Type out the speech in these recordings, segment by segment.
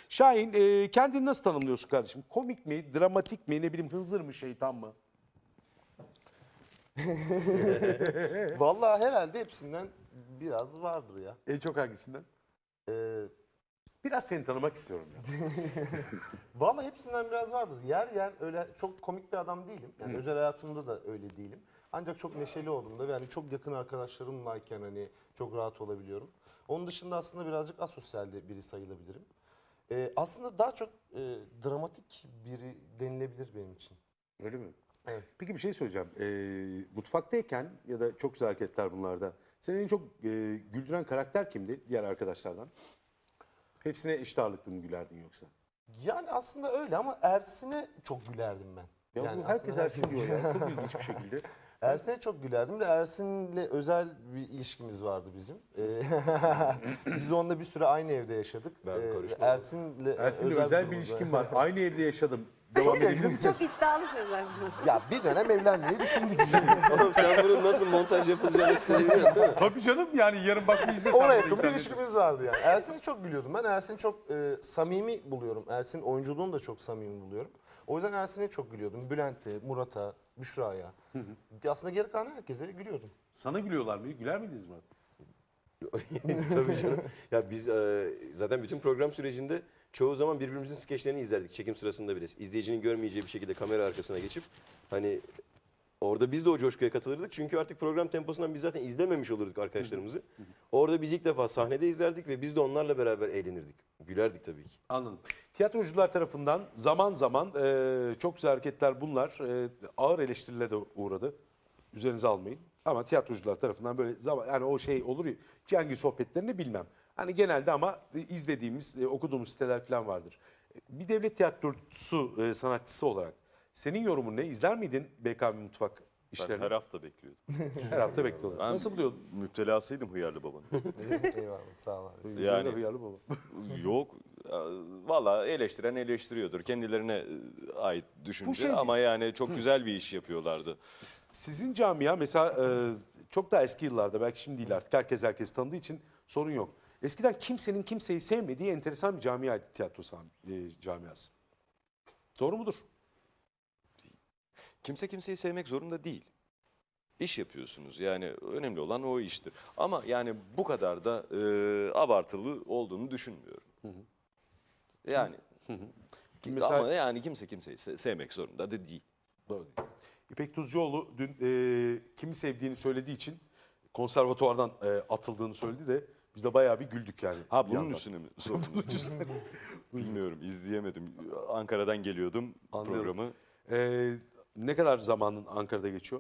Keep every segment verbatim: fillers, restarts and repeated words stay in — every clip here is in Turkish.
Şahin, e, kendini nasıl tanımlıyorsun kardeşim? Komik mi, dramatik mi, ne bileyim hınzır mı, şeytan mı? Vallahi herhalde hepsinden biraz vardır ya. En çok hangisinden? Ee, Biraz seni tanımak istiyorum ya. Vallahi hepsinden biraz vardır. Yer yer öyle çok komik bir adam değilim. Yani özel hayatımda da öyle değilim. Ancak çok neşeli olduğumda ve yani çok yakın arkadaşlarımlayken hani çok rahat olabiliyorum. Onun dışında aslında birazcık asosyal de biri sayılabilirim. Ee, aslında daha çok e, dramatik biri denilebilir benim için. Öyle mi? Evet. Peki bir şey söyleyeceğim. E, mutfaktayken ya da çok güzel hareketler bunlarda. Seni en çok e, güldüren karakter kimdi diğer arkadaşlardan? Hepsine eşit ağırlıklı mı gülerdin yoksa? Yani aslında öyle ama Ersin'e çok gülerdim ben. Ya yani bu herkes aslında Ersin diyor ya. Çok ilginç bir şekilde. Ersin'e çok gülerdim de Ersin'le özel bir ilişkimiz vardı bizim. Ee, Biz onunla bir süre aynı evde yaşadık. Ben Ee, karışmam. Ersin'le Ersin'le özel, bir durumumuz ilişkim var. var. Aynı evde yaşadım. Devam edebilir misin? Çok iddialı sözler bunlar. Ya bir dönem evlenmeyi düşündük. Oğlum sen bunun nasıl montaj yapılacağını seviyorsun değil mi? Tabii canım, yani yarın bak bir izlesen. Ona bunu yakın bir internette. ilişkimiz vardı yani. Ersin'i çok gülüyordum. Ben Ersin'i çok e, samimi buluyorum. Ersin oyunculuğunu da çok samimi buluyorum. O yüzden Ersin'e çok gülüyordum. Bülent'e, Murat'a, Büşra'ya. Aslında geri kalan herkese gülüyordum. Sana gülüyorlar mı? Güler miydiniz Murat? Tabii canım. Ya biz e, zaten bütün program sürecinde çoğu zaman birbirimizin skeçlerini izlerdik çekim sırasında bile. İzleyicinin görmeyeceği bir şekilde kamera arkasına geçip hani orada biz de o coşkuya katılırdık. Çünkü artık program temposundan biz zaten izlememiş olurduk arkadaşlarımızı. Orada biz ilk defa sahnede izlerdik ve biz de onlarla beraber eğlenirdik. Gülerdik tabii ki. Anladım. Tiyatrocular tarafından zaman zaman e, çok güzel hareketler bunlar. E, ağır eleştirilere de uğradı. Üzerinize almayın. Ama tiyatrocular tarafından böyle zaman, yani o şey olur ya, Cengiz sohbetlerini bilmem. Hani genelde ama izlediğimiz, e, okuduğumuz siteler falan vardır. E, Bir devlet tiyatrosu e, sanatçısı olarak senin yorumun ne? İzler miydin B K M Mutfak Ben işlerini? her hafta bekliyordum. Her hafta bekliyorlar. Ben Nasıl buluyordun? müptelasıydım Hıyarlı Baba'nın. Eyvallah sağ ol abi. Yani. Yani- Hıyarlı baba. Yok. Valla eleştiren eleştiriyordur. Kendilerine e, ait düşünce şey ama değil. yani çok güzel bir iş yapıyorlardı. Sizin camia mesela e, çok daha eski yıllarda, belki şimdi değil artık, herkes herkes tanıdığı için sorun yok. Eskiden kimsenin kimseyi sevmediği enteresan bir camiaydı tiyatro sah- e, camiası. Doğru mudur? Kimse kimseyi sevmek zorunda değil. İş yapıyorsunuz yani önemli olan o iştir. Ama yani bu kadar da e, abartılı olduğunu düşünmüyorum. Yani ki- Mesela- ama yani kimse kimseyi se- sevmek zorunda da değil. Doğru değil. İpek Tuzcuoğlu dün e, kimi sevdiğini söylediği için konservatuvardan e, atıldığını söyledi de biz de bayağı bir güldük yani. Ha bir bunun yandan. üstüne mi sordunuz? Bilmiyorum, izleyemedim. Ankara'dan geliyordum Anlıyorum. programı. E, ne kadar zamanın Ankara'da geçiyor?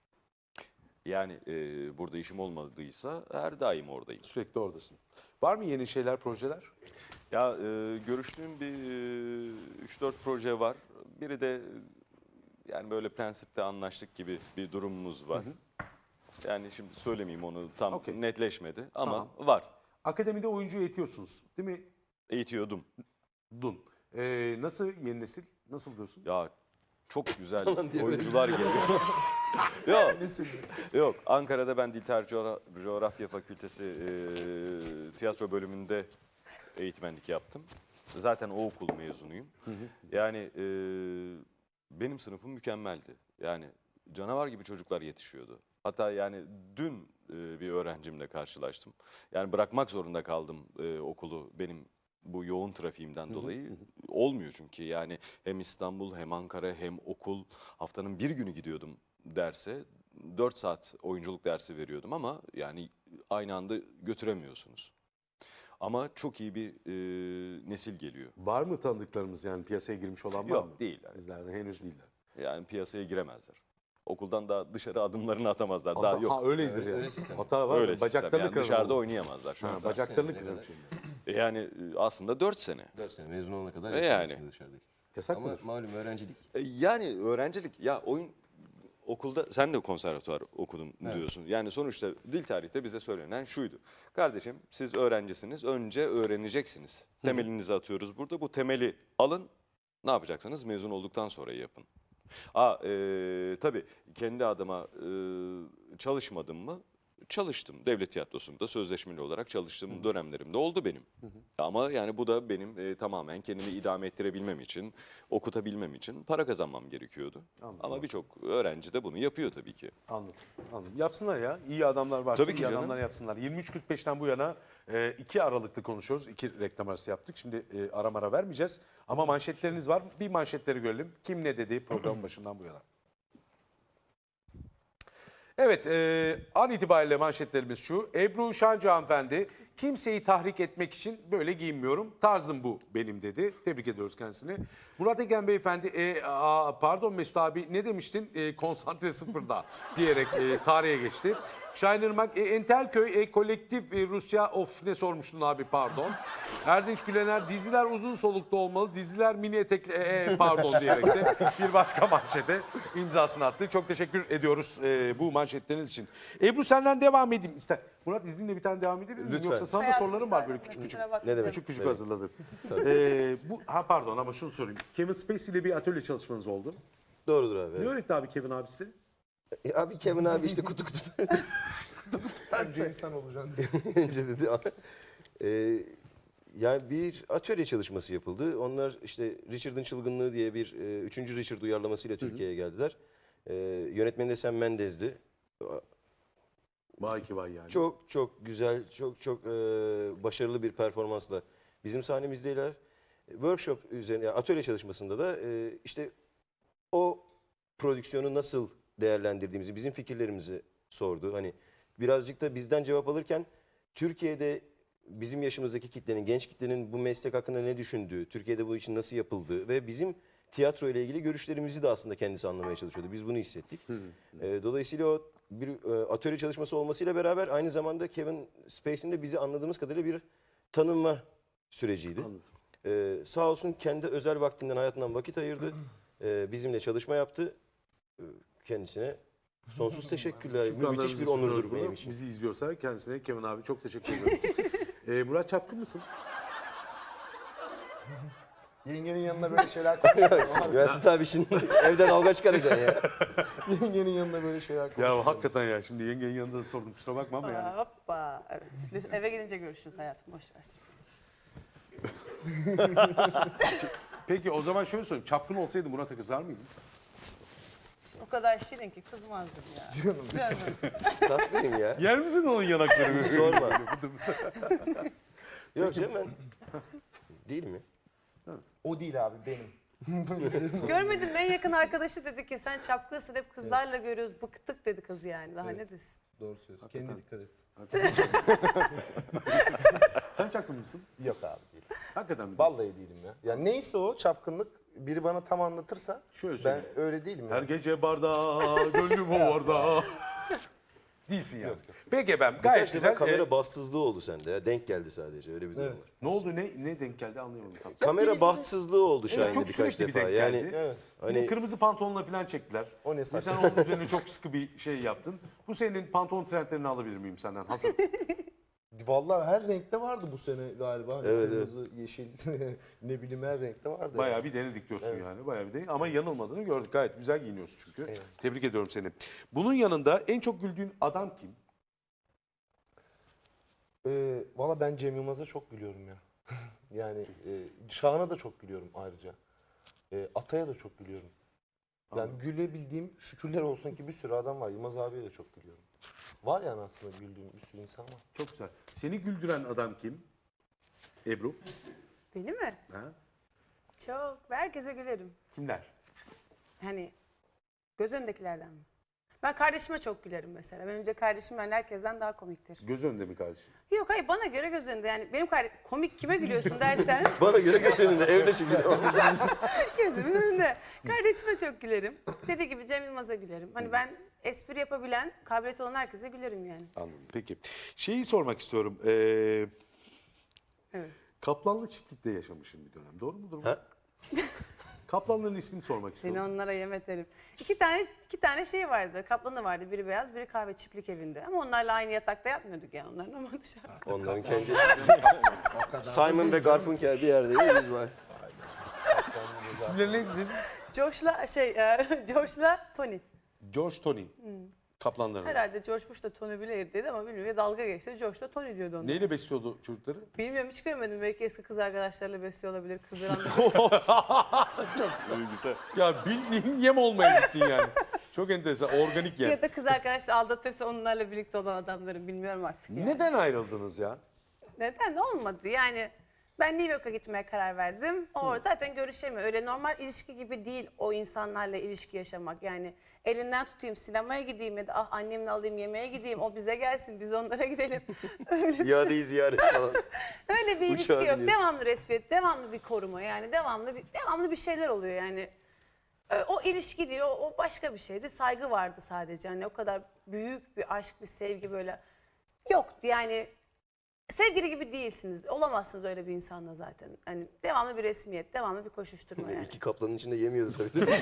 Yani e, burada işim olmadıysa her daim oradayım. Sürekli oradasın. Var mı yeni şeyler, projeler? Ya e, görüştüğüm bir üç dört proje var. Biri de e, yani böyle prensipte anlaştık gibi bir durumumuz var. Yani şimdi söylemeyeyim, onu tam Okey. netleşmedi ama Tamam. var. Akademide oyuncu eğitiyorsunuz değil mi? Eğitiyordum. Dun. E, nasıl yeni nesil? Nasıl diyorsun? Ya çok güzel Falan diye böyle. oyuncular geliyor. Yok. Yok. Ankara'da ben Dil Tarih Coğra- Coğrafya Fakültesi e, tiyatro bölümünde eğitmenlik yaptım. Zaten o okul mezunuyum. Yani e, benim sınıfım mükemmeldi. Yani canavar gibi çocuklar yetişiyordu. Hatta yani dün e, bir öğrencimle karşılaştım. Yani bırakmak zorunda kaldım e, okulu benim bu yoğun trafiğimden dolayı. Olmuyor çünkü yani hem İstanbul hem Ankara hem okul, haftanın bir günü gidiyordum derse. dört saat oyunculuk dersi veriyordum ama yani aynı anda götüremiyorsunuz. Ama çok iyi bir e, nesil geliyor. Var mı tanıdıklarımız, yani piyasaya girmiş olan var Yok, mı? değil yani. Bizlerden henüz değiller. Yani piyasaya giremezler. Okuldan daha dışarı adımlarını atamazlar. Daha Hata- yok. Ha öyledir yani. öyle sistem. Hata var. Öyle mı? sistem. Bacaklarını Yani kırarım dışarıda oğlum. oynayamazlar şu Ha, anda. bacaklarını Seneye kırarım kadar. şimdi. E Yani e, aslında dört sene. dört sene mezun olana kadar E yaşarsın yani. dışarıdaki. Yasak Ama mıdır? malum öğrencilik. E Yani öğrencilik, ya oyun okulda sen de konservatuvar okudun Evet. diyorsun. Yani sonuçta dil tarihte bize söylenen şuydu. Kardeşim siz öğrencisiniz, önce öğreneceksiniz. Temelinizi atıyoruz burada. Bu temeli alın. Ne yapacaksınız? Mezun olduktan sonra yapın. Aa, e, tabii kendi adıma e, çalışmadım mı? çalıştım. Devlet tiyatrosunda sözleşmeli olarak çalıştığım dönemlerimde oldu benim. Ama yani bu da benim e, tamamen kendimi idame ettirebilmem için, okutabilmem için para kazanmam gerekiyordu. Anladım. Ama birçok öğrenci de bunu yapıyor tabii ki. Anladım. Anladım. Yapsınlar ya. İyi adamlar varsa Tabii ki iyi canım. adamlar yapsınlar. yirmi üç kırk beşten bu yana e, iki Aralık'ta konuşuyoruz. İki reklam arası yaptık. Şimdi e, ara mara vermeyeceğiz. Ama manşetleriniz var. Bir manşetleri görelim. Kim ne dedi programın başından bu yana. Evet, e, an itibariyle manşetlerimiz şu. Ebru Şancı hanımefendi, kimseyi tahrik etmek için böyle giyinmiyorum. Tarzım bu benim dedi. Tebrik ediyoruz kendisini. Murat Egen beyefendi, e, a, pardon Mesut abi ne demiştin? E, konsantre sıfırda diyerek e, tarihe geçti. Şahin Irmak, e, Entelköy, e, kolektif e, Rusya, of ne sormuştun abi pardon. Erdinç Gülener, diziler uzun soluklu olmalı, diziler mini etekli, e, e, pardon diyerek de bir başka manşete imzasını attı. Çok teşekkür ediyoruz e, bu manşetleriniz için. Ebru senden devam edeyim. İster. Murat izninle bir tane devam edebilir miyim? Lütfen. Yoksa sana da Hayatım sorularım var müsaade, böyle küçük küçük. kusura bakma. Ne demek? Küçük küçük Evet. hazırladım. Ee, bu, ha pardon ama şunu sorayım. Kevin Spacey ile bir atölye çalışmanız oldu. Doğrudur abi. Ne Evet. öğretti abi Kevin abisi? E, abi Kevin abi işte kutu kutu Bence insan olacaksın. önce dedi. E, yani bir atölye çalışması yapıldı. Onlar işte Richard'ın Çılgınlığı diye bir e, üçüncü Richard uyarlamasıyla Türkiye'ye geldiler. E, yönetmeni de Sam Mendes'di. Vay ki vay yani. Çok çok güzel, çok çok e, başarılı bir performansla bizim sahnemizdeler. Workshop üzerine, yani atölye çalışmasında da e, işte o prodüksiyonu nasıl değerlendirdiğimizi, bizim fikirlerimizi sordu. Hani birazcık da bizden cevap alırken Türkiye'de bizim yaşımızdaki kitlenin, genç kitlenin bu meslek hakkında ne düşündüğü, Türkiye'de bu için nasıl yapıldığı ve bizim tiyatro ile ilgili görüşlerimizi de aslında kendisi anlamaya çalışıyordu. Biz bunu hissettik. E, dolayısıyla o bir e, atölye çalışması olmasıyla beraber aynı zamanda Kevin Spacey'nin de bizi anladığımız kadarıyla bir tanınma süreciydi. Anladım. Ee, sağ olsun kendi özel vaktinden, hayatından vakit ayırdı. Ee, bizimle çalışma yaptı. Ee, kendisine sonsuz teşekkürler. Müthiş bir Şükranlarımızı onurdur sunuyoruz benim bunu. için. Bizi izliyorsa kendisine Kevin abi çok teşekkür ediyoruz. ee, Murat Çapkın mısın? Yengenin yanında böyle şeyler konuşuyorsun. Üniversite abi şimdi evden alga çıkaracaksın ya. Yengenin yanında böyle şeyler konuşuyorsun. Ya hakikaten ya şimdi yengenin yanında da sordum kusura bakma ama yani. Hoppa. Evet. Lütfen eve gidince görüşürüz hayatım. Boş ver. Peki o zaman şöyle sorayım. Çapkın olsaydı Murat'a kızar mıydın? O kadar şirin ki kızmazdım ya. Canım. Canım. Tatlıyım ya. Yer misin onun yanaklarını? Sorma. Yok canım ben... Değil mi? O değil abi benim. Görmedin mi? En yakın arkadaşı dedi ki sen çapkınsın hep kızlarla görüyoruz. Bıktık dedi kız yani. Daha ne desin? Doğru söylüyorsun. Kendine dikkat et. Sen çapkın mısın? Yok abi değil. Hakikaten mi? Vallahi değilim ya. Ya neyse o çapkınlık biri bana tam anlatırsa Şöyle ben söyleyeyim. öyle değilim Her ya. gece barda, gönlüm o varda. Değilsin yani. Peki efendim gayet Birkaç güzel. defa kamera Ee, bahtsızlığı oldu sende ya. Denk geldi sadece öyle bir durum Evet. var. ne oldu ne ne denk geldi anlayamadım tam. Kamera bahtsızlığı oldu Evet, Şahin'de çok birkaç sürekli bir defa. denk Yani geldi. Evet. Hani... hani Kırmızı pantolonla falan çektiler. O ne Ve saçma. sen onun üzerine çok sıkı bir şey yaptın. Bu senin pantolon trendlerini alabilir miyim senden? Hazır. Vallahi her renkte vardı bu sene galiba. Hani Evet, kırmızı, yeşil, ne bileyim her renkte vardı. Bayağı bir denedik diyorsun yani. Bayağı bir denedik. Ama yanılmadığını gördük. Gayet güzel giyiniyorsun çünkü. Evet. Tebrik ediyorum seni. Bunun yanında en çok güldüğün adam kim? Ee, Valla ben Cem Yılmaz'a çok gülüyorum ya. yani e, Şahan'a da çok gülüyorum ayrıca. E, Atay'a da çok gülüyorum. Yani gülebildiğim şükürler olsun ki bir sürü adam var. Yılmaz abiye de çok gülüyorum. Var yani aslında güldüğüm bir sürü insan var. Çok güzel. Seni güldüren adam kim? Ebru. Beni mi? Ha? Çok. Herkese gülerim. Kimler? Hani göz önündekilerden mi? Ben kardeşime çok gülerim mesela. Benim önce kardeşim ben herkesten daha komiktir. Göz önünde mi kardeşim? Yok hayır bana göre göz önünde. Yani benim kardeşim komik kime gülüyorsun dersen bana göre götüründe evde çünkü. gözümün önünde. Kardeşime çok gülerim. Dediği gibi Cem Yılmaz'a gülerim. Hani ben espri yapabilen, kabiliyeti olan herkese gülerim yani. Anladım. Peki. Şeyi sormak istiyorum. Ee, Evet. Kaplanlı çiftlikte yaşamışsın bir dönem. Doğru mudur bu? Ha? Kaplanların ismini sormak Seni istiyorum. onlara yem ederim. İki tane iki tane şey vardı. Kaplanı vardı. Biri beyaz, biri kahve çiftlik evinde. Ama onlarla aynı yatakta yatmıyorduk yani onların ama dışarıda. Onların kendi... Simon ve Garfunkel bir yerde biz var. İsimleri neydi dedin? Josh'la şey, e, Josh'la Tony. George Tony. Kaplanların. Herhalde George Bush da Tony Blair dedi ama bilmiyorum. Ya dalga geçti. George da Tony diyordu onu. Neyle besliyordu çocukları? Bilmiyorum, hiç görmedim. Belki eski kız arkadaşlarıyla besliyor olabilir. Kızlar Güzel. Ya bildiğin yem olmaya gittin yani. Çok enteresan. Organik yem. ya da kız arkadaşla aldatırsa onlarla birlikte olan adamların, bilmiyorum artık yani. Neden ayrıldınız ya? Neden? Olmadı yani. Ben New York'a gitmeye karar verdim. O zaten görüşemiyor. Öyle normal ilişki gibi değil o insanlarla ilişki yaşamak. Yani elinden tutayım, sinemaya gideyim ya da ah annemle alayım yemeğe gideyim. O bize gelsin, biz onlara gidelim. İadeyi ziyaret falan. Öyle bir ilişki Uçağa yok. biniyorsun. Devamlı respekt, devamlı bir koruma, yani devamlı bir devamlı bir şeyler oluyor yani. Ee, O ilişki değil, o, o başka bir şeydi. Saygı vardı sadece. Hani o kadar büyük bir aşk, bir sevgi böyle yoktu. Yani sevgili gibi değilsiniz. Olamazsınız öyle bir insanla zaten. Hani devamlı bir resmiyet, devamlı bir koşuşturma yani. İki kaplanın içinde yemiyordu tabii. değil mi?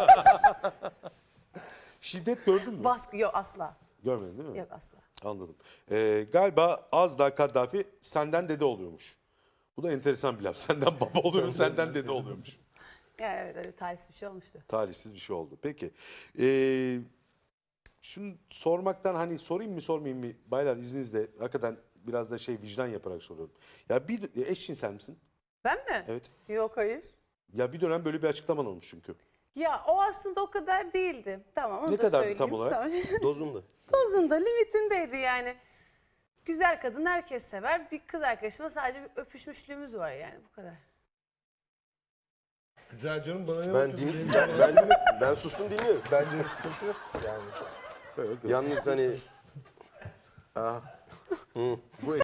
Şiddet gördün mü? Baskı yok asla. Görmedin değil mi? Yok asla. Anladım. Ee, galiba az daha Kaddafi senden dede oluyormuş. Bu da enteresan bir laf. Senden baba oluyor, senden dede oluyormuş. Yani evet, öyle talihsiz bir şey olmuştu. Talihsiz bir şey oldu. Peki. Ee, şunu sormaktan hani sorayım mı sormayayım mı? Baylar izninizle hakikaten biraz da şey vicdan yaparak soruyorum. Ya bir eşcinsel misin? Ben mi? Evet. Yok, hayır. Ya bir dönem böyle bir açıklaman olmuş çünkü. Ya o aslında o kadar değildi. Tamam, onu Ne da kadardı söyleyeyim. tam olarak? Tamam. Dozunda. Dozunda, limitindeydi yani. Güzel kadın herkes sever. Bir kız arkadaşımla sadece bir öpüşmüşlüğümüz var yani, bu kadar. Güzel canım, bana ne Ben, bakıyorsun? din, Benim ben, canım- ben, ben sustum dinliyorum. Bence bir sıkıntı yok yani. Böyle Yalnız hani bu